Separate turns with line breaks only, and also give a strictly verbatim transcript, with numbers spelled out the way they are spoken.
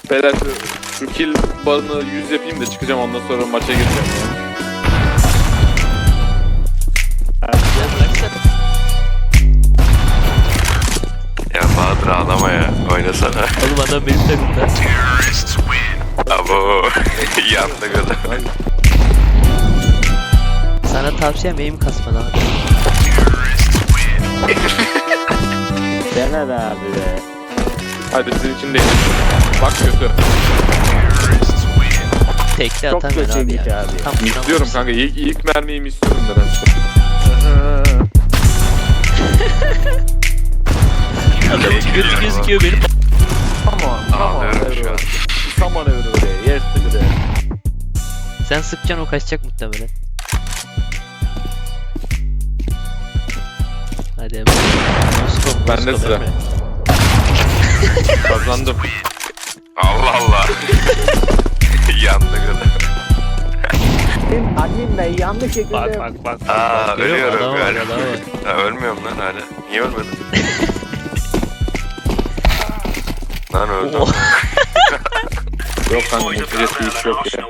Beyler şu, şu kill barını yüz yapayım da çıkacağım, ondan sonra maça gireceğim.
Ya Bahadır ağlama ya. Oynasana.
Oğlum adam benim takımda.
Abo. Yandık adam.
Sana tavsiyem aim kasma lan.
Dene be abi be.
Hadi sizin için değil. Bak kötü.
Tekli
Çok
atamıyor abi
kötüymüş
ya.
abi.
Tam
İstiyorum kanka, ilk, ilk mermiyi mi istiyorum nedense.
Adamın götü gözüküyor benim.
Come on, come on
Ağlıyorum şu an.
everyone. Come on everybody. Yes everybody.
Sen sıkacaksın, o kaçacak muhtemelen. Hadi hemen. Moskov,
Bende
Moskov,
sıra.
Emre.
Kazandım.
Allah Allah. Yandık adam.
Admin, admin bey yanlış şekilde...
Bak bak bak.
Aa
Görüyor musun?
ölüyorum
Adam var,
galiba.
adam var.
Ha, ölmüyorum lan hala. Niye ölmedim? Lan öldüm.
Oh.
Yok kanka, mutluyet bir iş yok ya.